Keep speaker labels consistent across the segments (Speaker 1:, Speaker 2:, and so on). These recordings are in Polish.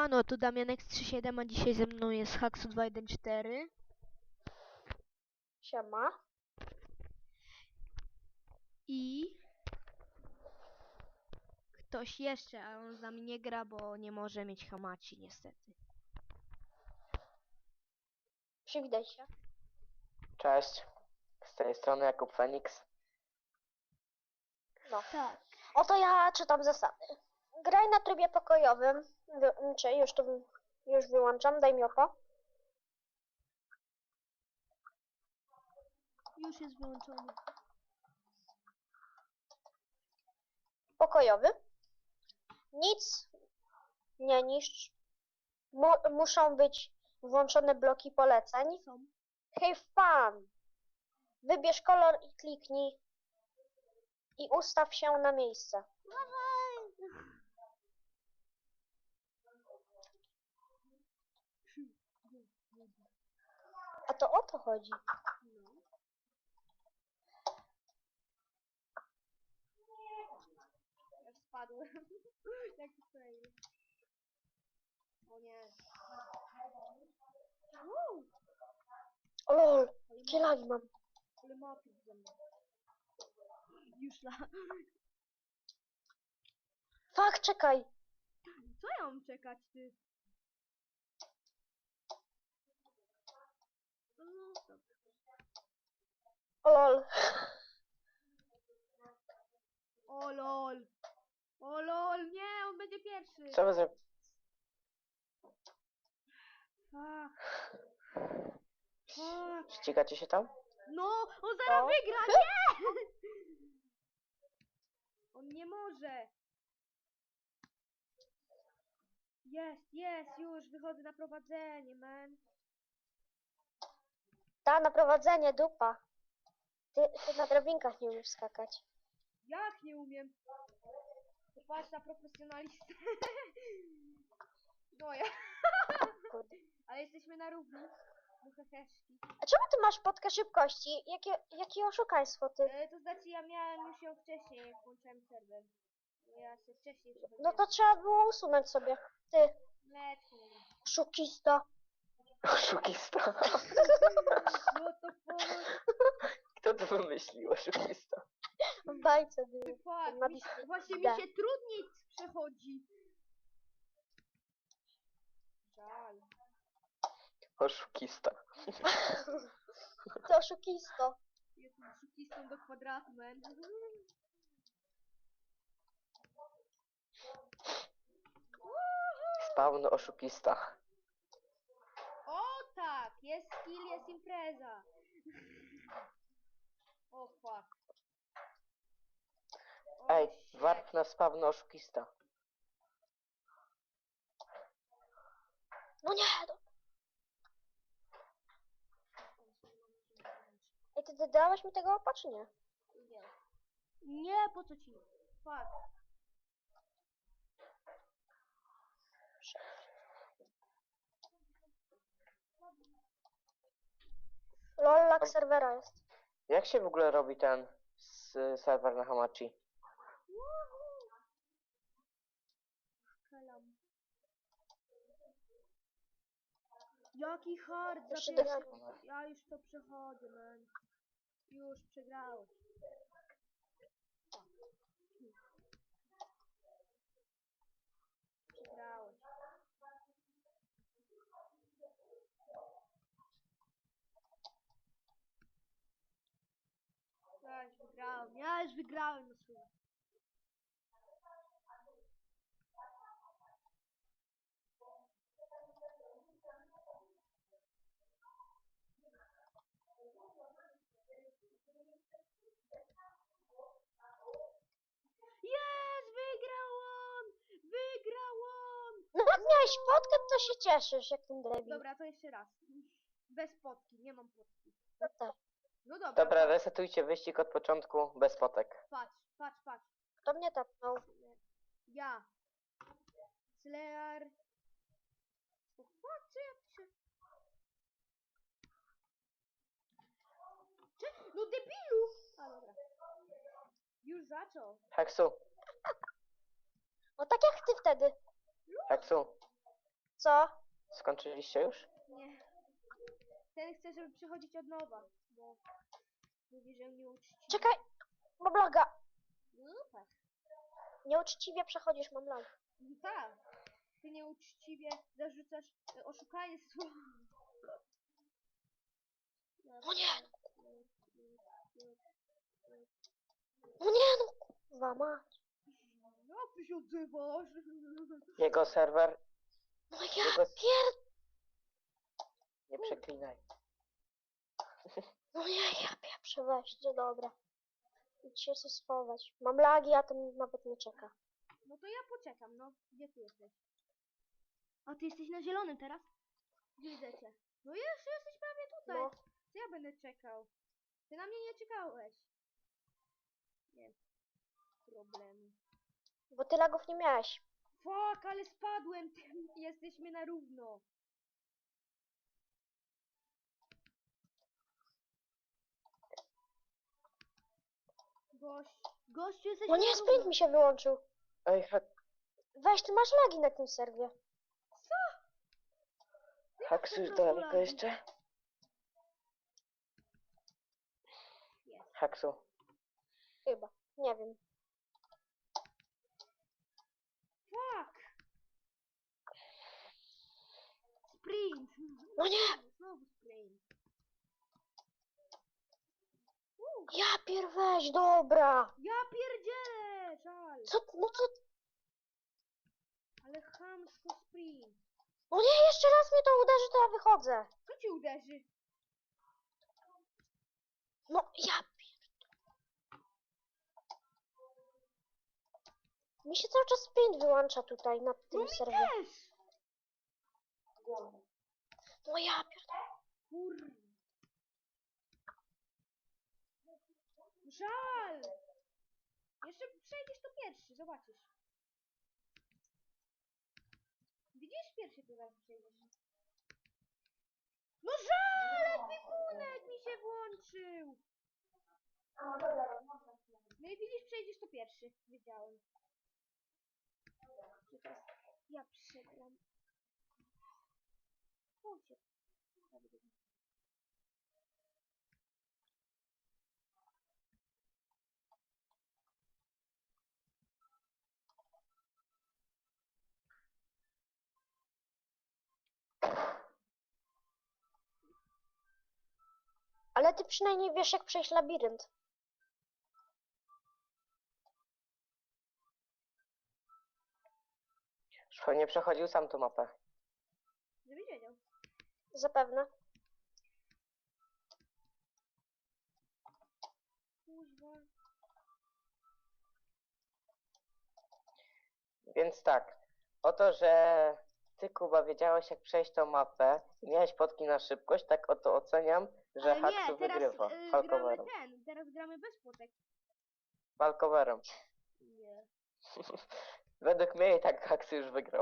Speaker 1: Siemano, tu Damianek37, a dzisiaj ze mną jest Haxu214
Speaker 2: Siema.
Speaker 1: i ktoś jeszcze, a on z nami nie gra, bo nie może mieć Hamachi niestety.
Speaker 2: Przywitaj się.
Speaker 3: Cześć, z tej strony Jakub Feniks.
Speaker 2: No.
Speaker 1: Tak.
Speaker 2: Oto ja czytam zasady. Graj na trybie pokojowym. Już wyłączam, daj mi oko.
Speaker 1: Już jest wyłączony.
Speaker 2: Pokojowy. Nic nie niszcz. Muszą być włączone bloki poleceń.
Speaker 1: Są.
Speaker 2: Have fun. Wybierz kolor i kliknij. I ustaw się na miejsce. A to o to chodzi.
Speaker 1: Ja spadłem. Jaki fail. O nie.
Speaker 2: O lol, jakie lagi mam.
Speaker 1: Ale mapy ze mną. Już la.
Speaker 2: Fuck, czekaj.
Speaker 1: Co ja mam czekać, ty? No, dobra.
Speaker 2: O lol.
Speaker 1: O lol. O lol, nie, on będzie pierwszy.
Speaker 3: Co wy zrobicie?
Speaker 1: Fuck. Fuck.
Speaker 3: Ścigacie się tam?
Speaker 1: No, on zaraz
Speaker 2: No.
Speaker 1: wygra, nie! On nie może. Jest, już wychodzę na prowadzenie, man.
Speaker 2: Ta, na prowadzenie, dupa. Ty na drabinkach nie umiesz skakać.
Speaker 1: Jak nie umiem? Patrz na profesjonalistę. No ja.
Speaker 2: Kurde.
Speaker 1: Ale jesteśmy na równi. Heheszki.
Speaker 2: A czemu ty masz podkę szybkości? Jakie oszukaństwo, ty?
Speaker 1: To znaczy ja miałem już ją wcześniej, jak włączałem serwer. No ja się wcześniej przechodziłem.
Speaker 2: No to trzeba było usunąć sobie. Ty,
Speaker 1: Let's go.
Speaker 2: oszukista.
Speaker 3: Oszukista.
Speaker 1: What the fuck?
Speaker 3: Kto to wymyślił, oszukista?
Speaker 2: W bajce był.
Speaker 1: Fuck,
Speaker 2: Na
Speaker 1: właśnie mi
Speaker 2: D.
Speaker 1: się trudniej przechodzi. Żal.
Speaker 3: Oszukista.
Speaker 2: To oszukisto.
Speaker 1: Jestem szukistą do kwadratu, man.
Speaker 3: Spawn oszukista.
Speaker 1: O tak, jest skill, jest impreza. O fuck. O,
Speaker 3: Ej,
Speaker 1: shit.
Speaker 3: warp na spawn oszukista.
Speaker 2: No nie, no. Ej, ty dałeś mi tego opa, czy nie?
Speaker 1: Nie, po co ci? Fuck.
Speaker 2: Lol, lag serwera jest.
Speaker 3: Jak się w ogóle robi ten serwer na Hamachi?
Speaker 1: Kalam. Jaki hard za
Speaker 2: Jeszcze
Speaker 1: pierwszy...
Speaker 2: dodam.
Speaker 1: Ja już to przechodzę, man. Już przegrałeś. Przegrałeś. Ja już wygrałem na słowo. Jest! Wygrałam! Wygrałam!
Speaker 2: No jak miałeś podkę, to się cieszysz, jak ten debil.
Speaker 1: Dobra, to jeszcze raz. Bez potki, nie mam potki.
Speaker 2: No tak.
Speaker 1: No dobra,
Speaker 3: Dobra, resetujcie wyścig od początku bez potek.
Speaker 1: patrz.
Speaker 2: Kto mnie tapnął?
Speaker 1: Ja. Slear. O fuck, co ja piszę? No debilu! A dobra. Już zaczął.
Speaker 3: Heksu,
Speaker 2: No tak jak ty wtedy.
Speaker 3: Heksu.
Speaker 2: Co?
Speaker 3: Skończyliście już?
Speaker 1: Nie. Ten chce, żeby przechodzić od nowa, bo mówi, że nieuczciwie.
Speaker 2: Czekaj! Mam laga!
Speaker 1: No tak.
Speaker 2: Nieuczciwie przechodzisz, mam lag.
Speaker 1: No tak. Ty nieuczciwie zarzucasz oszukanie słowa.
Speaker 2: O nie! O nie, no kurwa mać.
Speaker 1: Jak ty się odzywasz?
Speaker 3: Jego serwer...
Speaker 2: No ja
Speaker 3: Jego...
Speaker 2: pier...
Speaker 3: Nie przeklinaj.
Speaker 2: No nie, ja pieprzę, weźcie, dobra. Idź się schować. Mam lagi, a ten nawet nie czeka.
Speaker 1: No to ja poczekam, no. Gdzie ty jesteś? A ty jesteś na zielonym teraz? Gdzie widzę cię? No jeszcze jesteś prawie tutaj.
Speaker 2: No.
Speaker 1: Co ja będę czekał? Ty na mnie nie czekałeś. Nie. Problemu.
Speaker 2: Bo ty lagów nie miałeś.
Speaker 1: Fuck, ale spadłem. Jesteśmy na równo. Gościu, jesteśmy
Speaker 2: No nie,
Speaker 1: na
Speaker 2: sprint
Speaker 1: równo.
Speaker 2: mi się wyłączył.
Speaker 3: Ej,
Speaker 2: Weź, ty masz lagi na tym serwie.
Speaker 3: Haksu już
Speaker 1: po prostu
Speaker 3: daleko
Speaker 1: lagi.
Speaker 3: jeszcze?
Speaker 1: Jest.
Speaker 3: Haksu.
Speaker 2: Chyba. Nie wiem.
Speaker 1: Fuck. Sprint.
Speaker 2: No nie!
Speaker 1: Znowu sprint.
Speaker 2: Ja pier weź, dobra.
Speaker 1: Ja pierdzielę, żal.
Speaker 2: Co, no co?
Speaker 1: Ale chamsko sprint.
Speaker 2: No nie, jeszcze raz mnie to uderzy, to ja wychodzę.
Speaker 1: Co ci uderzy?
Speaker 2: No ja pier... Mi się cały czas sprint wyłącza tutaj na tym
Speaker 1: No mi
Speaker 2: serwie.
Speaker 1: też.
Speaker 2: No ja pier...
Speaker 1: Kur... Żal. Jeszcze przejdziesz to pierwszy, zobaczysz. Widzisz? Pierwszy to zaraz przejdziesz. No żal! Ekwipunek mi się włączył. No i widzisz, przejdziesz to pierwszy. Wiedziałem. Że teraz ja przegram. Chodźcie.
Speaker 2: Ale ty przynajmniej wiesz, jak przejść labirynt.
Speaker 3: Już pewnie przechodził sam tą mapę.
Speaker 1: Żebyś wiedział.
Speaker 2: Zapewne.
Speaker 1: Kuźwa.
Speaker 3: Więc tak. Oto, że ty, Kuba, wiedziałeś jak przejść tą mapę i miałeś potki na szybkość, tak oto oceniam, że
Speaker 1: Ale
Speaker 3: Haksu
Speaker 1: nie, teraz
Speaker 3: wygrywa.
Speaker 1: gramy
Speaker 3: Falcowerem.
Speaker 1: teraz gramy bez płotek.
Speaker 3: Falcowerem.
Speaker 1: Nie.
Speaker 3: Według mnie i tak Haksu już wygrał.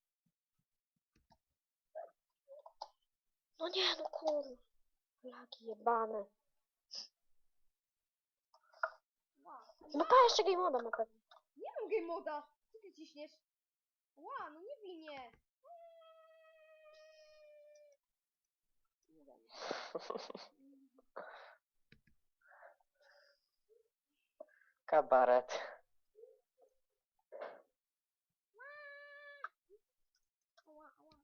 Speaker 2: No nie, no kurwa. Lagi jebane. No pa, jeszcze game moda na pewno.
Speaker 1: Nie mam game moda. Co ty ciśniesz? Ła, no nie winie.
Speaker 3: Kabaret.
Speaker 1: Ała, ała.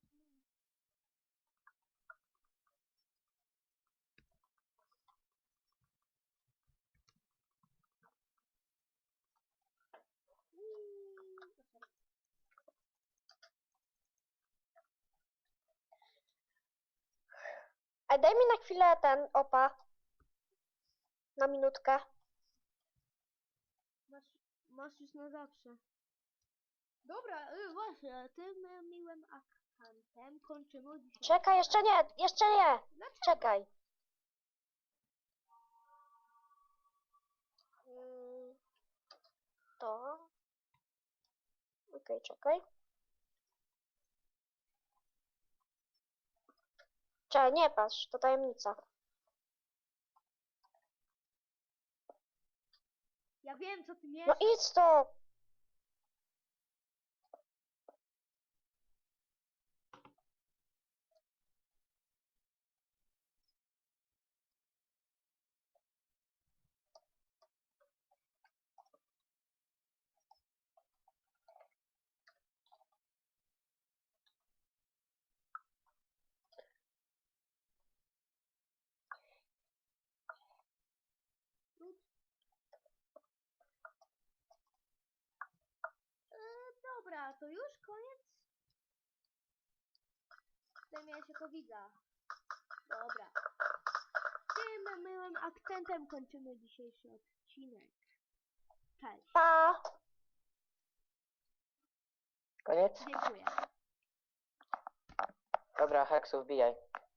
Speaker 2: Ej, daj mi na chwilę ten opa. Na minutkę.
Speaker 1: Masz już na zawsze. Dobra, właśnie, tym miłym akantem kończymy dzisiaj.
Speaker 2: Czekaj, jeszcze nie, jeszcze nie.
Speaker 1: Dlaczego?
Speaker 2: Czekaj. Mm, To. Okej, czekaj. Czekaj, nie patrz, to tajemnica.
Speaker 1: Ja wiem, co ty
Speaker 2: No
Speaker 1: mieszasz.
Speaker 2: idź to.
Speaker 1: to już koniec? Chcę mieć jako widza. Dobra. Tym miłym akcentem kończymy dzisiejszy odcinek. Cześć.
Speaker 2: Pa!
Speaker 3: Koniec?
Speaker 1: Dziękuję.
Speaker 3: Dobra, Heksu, wbijaj.